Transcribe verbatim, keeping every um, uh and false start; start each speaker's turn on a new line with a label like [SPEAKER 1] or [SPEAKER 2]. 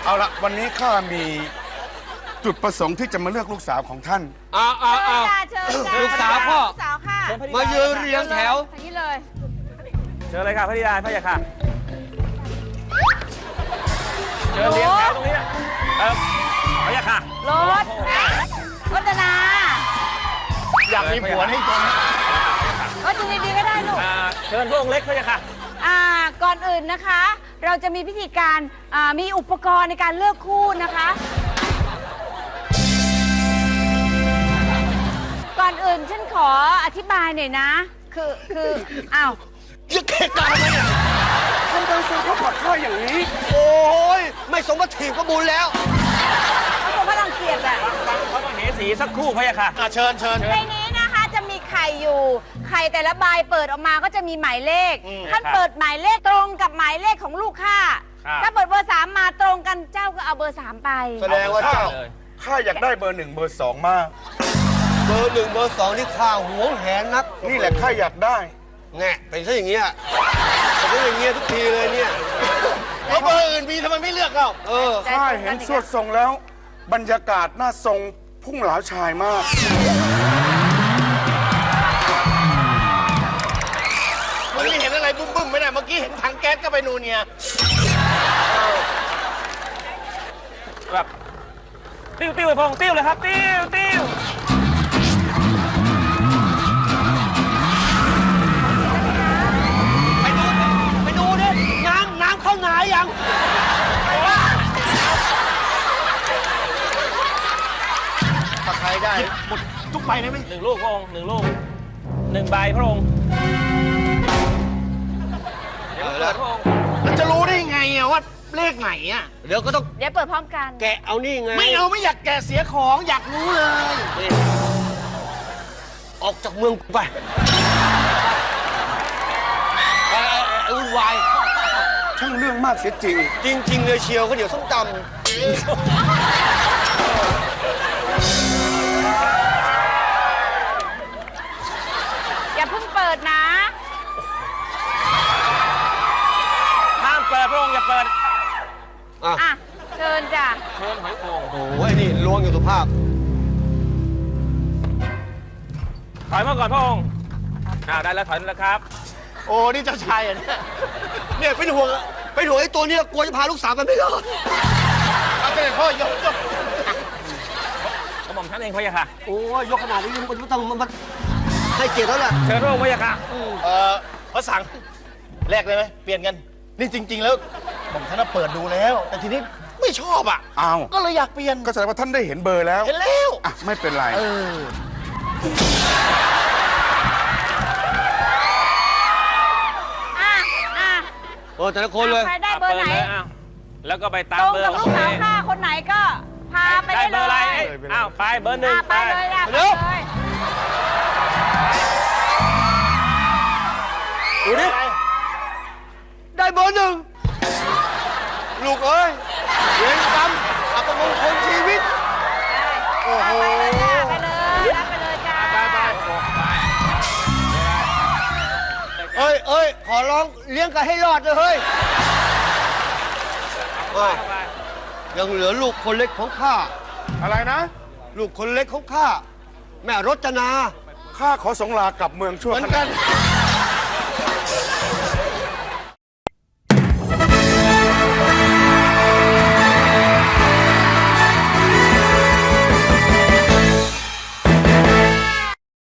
[SPEAKER 1] เอาละวันนี้ข้ามีจุดประสงค์ที่จะมาเลือกลูกสาวของท่าน
[SPEAKER 2] อ้าวอ้าวอ้าว
[SPEAKER 3] เชิญจ้า
[SPEAKER 2] ลูกสาวพ่อ
[SPEAKER 3] ลูกสาวค่ะ
[SPEAKER 2] มายืนเรียงแถว
[SPEAKER 3] ทางนี้เลย
[SPEAKER 4] เชิญเลยค่ะพระธิดาพระยาค่ะเชิญเรียงแถวตรงนี้นะเออพระยาค่ะ
[SPEAKER 3] รถรถนา
[SPEAKER 4] อยากมีผัวให้ตัวนี้
[SPEAKER 3] รถจุดีๆก็ได้ลูก
[SPEAKER 4] เชิญพวกเล็กพระยาค่ะ
[SPEAKER 3] อ่าก่อนอื่นนะคะ เราจะมีพิธีการอ่ามีอุปกรณ์ในการเลือกคู่นะคะ ก่อนอื่นฉันขออธิบายหน่อยนะ คือคืออ้าว
[SPEAKER 2] ยึกเข็ดกันทำไมอ่ะ
[SPEAKER 1] ท่านต้องซื้อเขาขอข้าอย่างนี้
[SPEAKER 2] โอ้ยไม่สมบัติถีบก็บุญแล้ว
[SPEAKER 3] เขาคงพลังเกียรติแหละ
[SPEAKER 4] เขาต้องเหสีสักครู่พระยาค่ะเชิญเชิญ
[SPEAKER 3] ในนี้นะคะจะมีไข่อยู่ไข่แต่ละใบเปิดออกมาก็จะมีหมายเลขท่านเปิดหมายเลขตรงกับหมายเลขของลูกค้าถ้าเปิดเบอร์สามมาตรงกันเจ้าก็เอาเบอร์สามไป
[SPEAKER 2] แสดงว่าเจ้า
[SPEAKER 1] ข้าอยากได้เบอร์หนึ่งเบอร์สองมาก
[SPEAKER 2] เบอร์หนึ่งเบอร์สองนี่ข้าหวงแหนนัก
[SPEAKER 1] นี่แหละข้าอยากได้
[SPEAKER 2] แง่เป็นซะอย่างเงี้ยเป็นอย่างเงี้ยทุกทีเลยเนี่ย
[SPEAKER 4] แล้วเบอร์อื่นมีทำไมไม่เลือกเรา
[SPEAKER 2] เออ
[SPEAKER 1] ข้าเห็นสวดทรงแล้ว บรรยากาศน่าทรงพุ่งเหลาชายมาก
[SPEAKER 4] มันไม่เห็นอะไรบุ้มบุ้มไม่ได้เมื่อกี้เห็นถังแก๊สก็ไปนูเนี่ยแบบติ้วติ้วไปพงติ้วเลยครับติ้วติ้ว
[SPEAKER 2] ไปดูไปดูดิน้ำน้ำเข้าหนายัง
[SPEAKER 4] ถ้าใครได้หมดทุกใบได้ไหมหนึ่งลูกพระองค์หนึ่งลูกหนึ่งใบพระองค์เดี๋ยวเปิดพระองค์มันจะรู้ได้ไงอะว่าเลขไหนอะ
[SPEAKER 2] เดี๋ยวก็ต้อง
[SPEAKER 3] เดี๋ยวเปิดพร้อมกัน
[SPEAKER 2] แกะเอานี่ไง
[SPEAKER 4] ไม่เอาไม่อยากแกะเสียของอยากรู้เลย
[SPEAKER 2] นี่ออกจากเมืองกูไปไอ้ไอ้ไอ้วุ่นวาย
[SPEAKER 1] ช่างเรื่องมากเสียจริง
[SPEAKER 2] จริง ๆ เลยเชียวก็เดี๋ยวส้มตำ
[SPEAKER 3] อย่าเพิ่งเปิดนะ
[SPEAKER 4] ห้ามเปิดพระองค์อย่าเปิด
[SPEAKER 2] อ่ะ
[SPEAKER 3] อ่ะเชิญจ้ะ
[SPEAKER 4] เชิญหอยโข่ง
[SPEAKER 2] โอ้ยนี่ล้วงอยู่สุภาพ
[SPEAKER 4] ถอยมาก่อนพระองค์อ่าได้แล้วถอยแล้วครับโอ้นี่เจ้าชายอ่ะเนี่ย
[SPEAKER 2] เนี่ยเป็นห่วงเป็นห่วงไอ้ตัวเนี้ยกลัวจะพาลูกสาวไปไม่รอด
[SPEAKER 4] เอาเสด็จพ่อยกยกกระหม่อมท่านเองพระยาค่ะ
[SPEAKER 2] โอ้ยยกขนาดนี้มันต้องมันมันให้เกียรติแล้วแหละ
[SPEAKER 4] เชิญพระองค์พระยาค่ะเอ่อพระสังแลกเลยไหมเปลี่ยนกันนี่จริง ๆ แล้วผมท่านเปิดดูแล้ว แต่ทีนี้ไม่ชอบอ่ะ
[SPEAKER 1] อ้าว
[SPEAKER 4] ก็เลยอยากเปลี่ยน
[SPEAKER 1] ก็แสดงว่าท่านได้เห็นเบอร์แล้ว
[SPEAKER 4] เห็นแล้ว
[SPEAKER 1] อ่ะ ไม่เป็นไร
[SPEAKER 4] เออ
[SPEAKER 3] อ่ะอ่ะ
[SPEAKER 2] โอ้แต่ละคนเลย
[SPEAKER 3] ใครได้เบอร์ไหน
[SPEAKER 4] ปิดลยะแล้วก็ไปตาม
[SPEAKER 3] ตรง
[SPEAKER 4] เบอร์
[SPEAKER 3] กับลูกสาวข้าคนไหนก็พาไป
[SPEAKER 4] ได้
[SPEAKER 3] ได้
[SPEAKER 4] เบอร์อะไร
[SPEAKER 3] เลย
[SPEAKER 4] อ้าวไปเบอร์หนึ่ง
[SPEAKER 3] อ่ะไปเลยอ่ะไป
[SPEAKER 2] เร็ว
[SPEAKER 3] เลย
[SPEAKER 2] ดูดิได้เบอร์หนึ่งลูกเอ้ยเวรกรรมอัปมงคลชีวิต โอ้โห
[SPEAKER 3] ไปเลยจ้ะไปเลยรับไปเลยจ้า
[SPEAKER 4] ไปไปไป
[SPEAKER 2] เอ้ยเอ้ยขอร้องเลี้ยงกันให้รอดเลยเฮ้ยเอ้ยยังเหลือลูกคนเล็กของข้า
[SPEAKER 1] อะไรนะ
[SPEAKER 2] ลูกคนเล็กของข้าแม่รจนา
[SPEAKER 1] ข้าขอสงลากลับเมืองชั่ว
[SPEAKER 2] เหมือน
[SPEAKER 1] ข
[SPEAKER 2] กั
[SPEAKER 1] ณะ
[SPEAKER 2] น